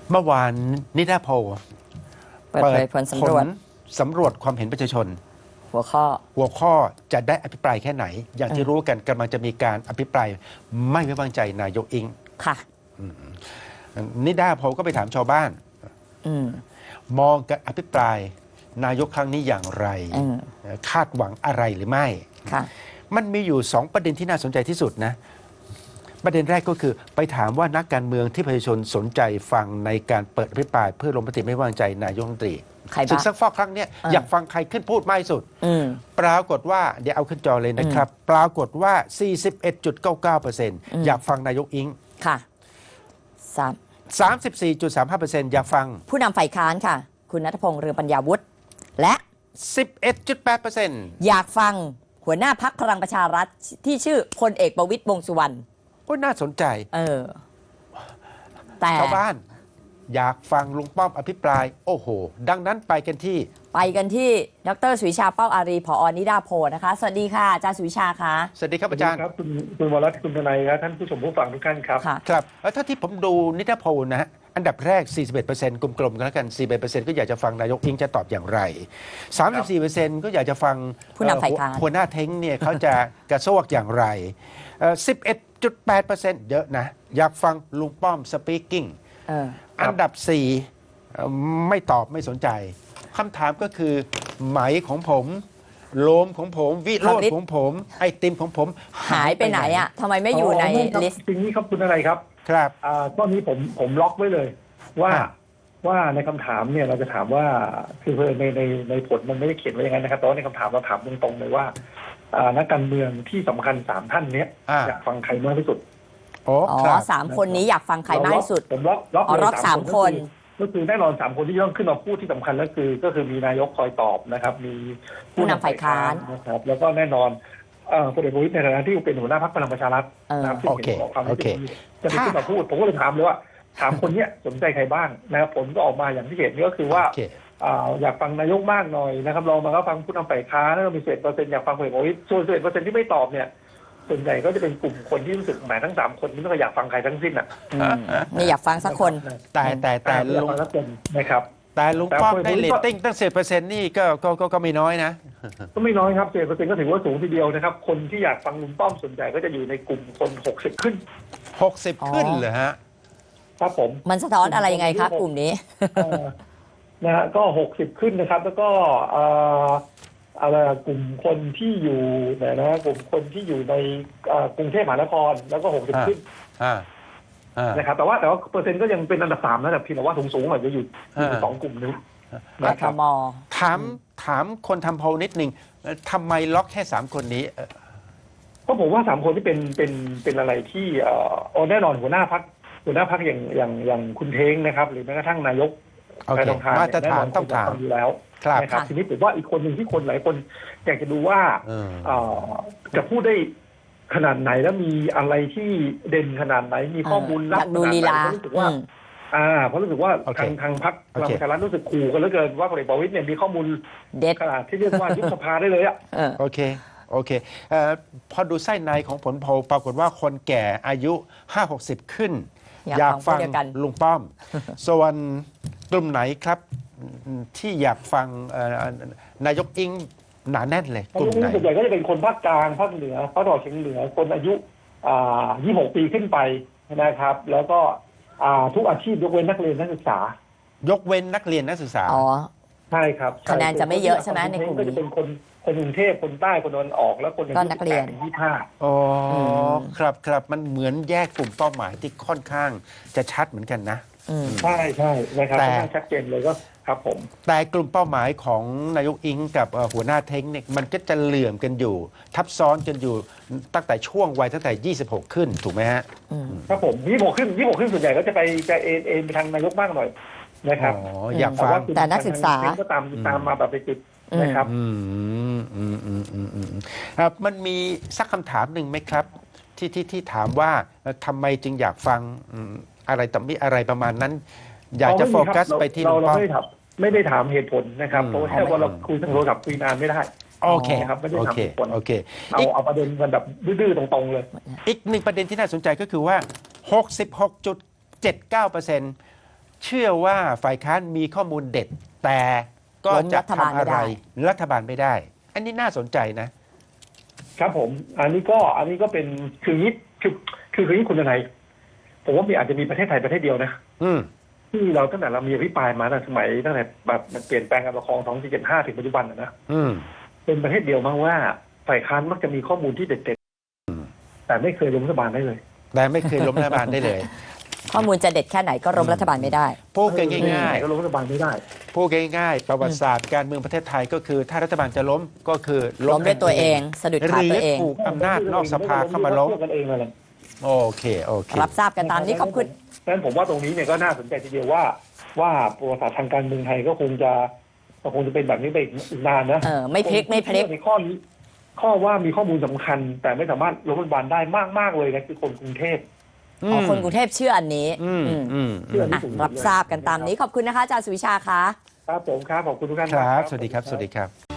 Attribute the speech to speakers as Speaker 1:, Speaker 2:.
Speaker 1: เมื่อวานนิดาโพล
Speaker 2: เปิดเผยผลสำรวจ
Speaker 1: สำรวจความเห็นประชาชน
Speaker 2: หัวข้อ
Speaker 1: หัวข้อจะได้อภิปรายแค่ไหน อย่างที่รู้กันกำลังจะมีการอภิปรายไม่ไว้วางใจนายกอิง
Speaker 2: ค่ะ
Speaker 1: นิดาโพลก็ไปถามชาวบ้าน มองการอภิปรายนายกครั้งนี้อย่างไร คาดหวังอะไรหรือไม่
Speaker 2: ค่ะ
Speaker 1: มันมีอยู่2ประเด็นที่น่าสนใจที่สุดนะประเด็นแรกก็คือไปถามว่านักการเมืองที่ประชาชนสนใจฟังในการเปิดอภิปรายเพื่อลงมติไม่ไว้วางใจนายกรัฐมนตรีศึกซักฟอกครั้งนี้อยากฟังใครขึ้นพูดมากที่สุดปรากฏว่าเดี๋ยวเอาขึ้นจอเลยนะครับปรากฏว่า 41.99% อยากฟังนายกอิง
Speaker 2: ค่ะ
Speaker 1: 34.35% อยากฟัง
Speaker 2: ผู้นำฝ่ายค้านค่ะคุณณัฐพงษ์เรืองปัญญาวุฒิและ
Speaker 1: 11.8%
Speaker 2: อยากฟังหัวหน้าพรรคพลังประชารัฐที่ชื่อพลเอกประวิตรวงษ์สุวรรณ
Speaker 1: ก็น่าสนใจ
Speaker 2: แต่
Speaker 1: ชาวบ้านอยากฟังลุงป้อมอภิปรายโอ้โหดังนั้นไปกันที่
Speaker 2: ดร.สุวิชาเป้าอารีผอ.นิดาโพลนะคะสวัสดีค่ะอาจารย์สุวิชาค่ะ
Speaker 1: สวัสดีครับอาจารย์
Speaker 3: ครับคุณวรัตน์คุณทนายครับท่านผู้ชมผู้ฟังทุกท่านครับ
Speaker 1: ครับแล้วถ้าที่ผมดูนิดาโพลนะฮะอันดับแรก 41% กลมๆกันแล้วกัน 41% ก็อยากจะฟังนายกอิงจะตอบอย่างไร 34% ก็อยากจะฟัง
Speaker 2: ผู้นำฝ่ายค้าน
Speaker 1: หัวหน้าเท้งเนี่ยเขาจะกระซวกอย่างไร 11.8% เยอะนะอยากฟังลุงป้อมสปีกกิ้งอันดับ 4ไม่ตอบไม่สนใจคำถามก็คือไหมของผมโลมของผมวิโรจน์ของผมไอติมของผม
Speaker 2: หายไปไหนอ่ะทำไมไม่อยู่ในลิสต์
Speaker 3: จริงนี้ครับคุณอะไรครับ
Speaker 1: ครับ
Speaker 3: ตอนนี้ผมล็อกไว้เลยว่าในคำถามเนี่ยเราจะถามว่าคือในผลมันไม่ได้เขียนไว้อย่างนั้นนะครับแต่ว่าในคำถามเราถามตรงๆเลยว่านักการเมืองที่สำคัญ3ท่านนี้อยากฟังใครมากที่สุด
Speaker 2: อ๋อ3 คนนี้อยากฟังใครมากที่สุด
Speaker 3: ผมล็อก
Speaker 2: เลย3 คน
Speaker 3: ก็คือแน่นอน3 คนที่ต้องขึ้นมาพูดที่สำคัญก็คือมีนายกคอยตอบนะครับมี
Speaker 2: ผู้นำฝ่ายค้าน
Speaker 3: นะครับแล้วก็แน่นอนพลเอกประวิตรในฐานะที่เป็นหัวหน้าพรรคพลังประชารัฐนะครับที่เห็นบอกความจะขึ้นมาพูดผมก็เลยถามเลยว่า3 คนนี้สนใจใครบ้างนะครับผลก็ออกมาอย่างที่เห็นนี่ก็คือว่าอยากฟังนายกมากหน่อยนะครับลองมาก็ฟังผู้นำฝ่ายค้านแล้วก็มี11%อยากฟังพลเอกประวิตรส่วน11%ที่ไม่ตอบเนี่ยส่วนใหญ่ก็จะเป็นกลุ่มคนที่รู้สึกหมายทั้ง3 คนนี้ไม่อยากฟังใครทั้งสิ้น
Speaker 2: ไม่อยากฟังสักคน
Speaker 1: แต่
Speaker 3: ลุงนะครับ
Speaker 1: แต่ลุงป้อมได้เรตติ้งตั้ง10%นี่ก็ไม่น้อยนะ
Speaker 3: ก็ไม่น้อยครับ10%ก็ถือว่าสูงทีเดียวนะครับคนที่อยากฟังลุงป้อมส่วนใหญ่ก็จะอยู่ในกลุ่มคน60ขึ้น
Speaker 1: เหรอฮะ
Speaker 3: ครับผม
Speaker 2: มันสะท้อนอะไรยังไงครับกลุ่มนี้
Speaker 3: นะฮะก็60ขึ้นนะครับแล้วก็อะไรกลุ่มคนที่อยู่นะกลุ่มคนที่อยู่ในกรุงเทพมหานครแล้วก็60ขึ้นนะครับแต่ว่าเปอร์เซ็นต์ก็ยังเป็นอันดับ3นะแต่เพียงแต่ว่าสูงอาจจะอยู่2 กลุ่มนี้
Speaker 2: นะครับ
Speaker 1: ถามคนทำโพลนิดนึงทำไมล็อกแค่3 คนนี้
Speaker 3: ก็ผมว่า3 คนที่เป็นอะไรที่แน่นอนหัวหน้าพรรคอย่างคุณเท้งนะครับหรือแม้กระทั่งนายก
Speaker 1: แน่นอนต้องถาม
Speaker 3: อยู่แล้วนะครับทีนี้ผมว่าอีกคนหนึ่งที่คนหลายคนอยากจะดูว่าจะพูดได้ขนาดไหนแล้วมีอะไรที่เด่นขนาดไหนมีข้อมูลลับขนาดไหนรู้สึกว่าเพราะรู้สึกว่าทางพรรคพลังประชารัฐรู้สึกขู่กันเหลือเกินว่าพลเอกประวิตรเนี่ยมีข้อมูล
Speaker 2: เด็ด
Speaker 3: ขนาดที่เรียกว่ายุบสภาได้เลย
Speaker 1: โอเคพอดูไส้ในของผลโพลปรากฏว่าคนแก่อายุ 50-60 ขึ้นอยากฟังลุงป้อมส่วนกลุ่มไหนครับที่อยากฟังนายกอิงหนาแน่นเลย
Speaker 3: กลุ่มไหนส่วนใหญ่ก็จะเป็นคนภาคกลางภาคเหนือภาคตะวันออกเฉียงเหนือคนอายุ26 ปีขึ้นไปนะครับแล้วก็ทุกอาชีพยกเว้นนักเรียนนักศึกษาย
Speaker 1: กเว้นนักเรียนนักศึกษา
Speaker 3: ใช่ครับ
Speaker 2: คะแนนจะไม่เยอะใช่ไหมในกลุ่ม
Speaker 3: ก็จะเป็นคนกรุงเทพคนใต้คนตะวันออกแล้วคนอายุ18 ถึง 25
Speaker 1: อ๋อครับมันเหมือนแยกกลุ่มเป้าหมายที่ค่อนข้างจะชัดเหมือนกันนะ
Speaker 3: ใช่นะครับค่อนข้างชัดเจนเลยก็ครับผม
Speaker 1: แต่กลุ่มเป้าหมายของนายกอิงกับหัวหน้าเท้งเนี่ยมันก็จะเหลื่อมกันอยู่ทับซ้อนกันอยู่ตั้งแต่ช่วงวัยตั้งแต่26ขึ้นถูกไหมฮะ
Speaker 3: ครับผม26ขึ้นส่วนใหญ่ก็จะเอ็นไปทางนายกบ้างหน่อยนะครับ
Speaker 1: อยากฟัง
Speaker 2: แต่นักศึกษา
Speaker 3: ก็ตามมาแบบไปติดนะครับ
Speaker 1: มันมีสักคำถามหนึ่งไหมครับที่ถามว่าทำไมจึงอยากฟังอะไรต่อมีอะไรประมาณนั้นอยากจะโฟกัสไปที่
Speaker 3: เราไม่ได้ถามเหตุผลนะครับเพราะแค่ว่าเราคุยทางโทรศัพท์คุยนานไม่ได้
Speaker 1: โอเค
Speaker 3: ครับไม่ได้ถามเหตุผลเอาประเด็นกันแบบดื้อๆตรงๆเลย
Speaker 1: อีกหนึ่งประเด็นที่น่าสนใจก็คือว่า 66.79% เชื่อว่าฝ่ายค้านมีข้อมูลเด็ด แต่ก็จะทำอะไรรัฐบาลไม่ได้ อันนี้น่าสนใจนะครับ
Speaker 3: ผมอันนี้ก็เป็นคือนี้คือนี้คุณทนายผมว่าอาจจะมีประเทศไทยประเทศเดียวนะที่เราตั้งแต่เรามีอภิปรายมาตั้งสมัยตั้งแต่แบบมันเปลี่ยนแปลงการปกครอง2475ถึงปัจจุบันนะเป็นประเทศเดียวมั้งว่าฝ่ายค้านมักจะมีข้อมูลที่เด็ดๆแต่ไม่เคยล้มรัฐบาลได้เลย
Speaker 1: แต่ไม่เคยล้มรัฐบาลได้เลย
Speaker 2: ข้อมูลจะเด็ดแค่ไหนก็ล้มรัฐบาลไม่ได้
Speaker 1: พูดง่ายๆ
Speaker 3: ก็ล้มรัฐบาลไม่ได้
Speaker 1: พูดง่ายๆประวัติศาสตร์การเมืองประเทศไทยก็คือถ้ารัฐบาลจะล้มก็คือ
Speaker 2: ล้มด้วยตัวเองสะดุดขาตัวเอง
Speaker 1: ถูกอำนาจนอกสภาเข้ามาล้มโอเครับ
Speaker 2: ทราบกันตามนี้ขอบคุณ
Speaker 3: ดังนั้นผมว่าตรงนี้เนี่ยก็น่าสนใจทีเดียวว่าประวัติศาสตร์ทางการเมืองไทยก็คงจะเป็นแบบนี้ไปอีกนานนะ
Speaker 2: ไม่พลิก
Speaker 3: ในข้อนี้ข้อว่ามีข้อมูลสำคัญแต่ไม่สามารถล้มรัฐบาลได้มากเลยนะคือคนกรุงเทพ
Speaker 2: คนกรุงเทพเชื่ออันนี้รับทราบกันตามนี้ขอบคุณนะคะอาจารย์สุวิชาค่ะ
Speaker 3: ครับผมครับขอบคุณทุกท่าน
Speaker 1: ครับสวัสดีครับ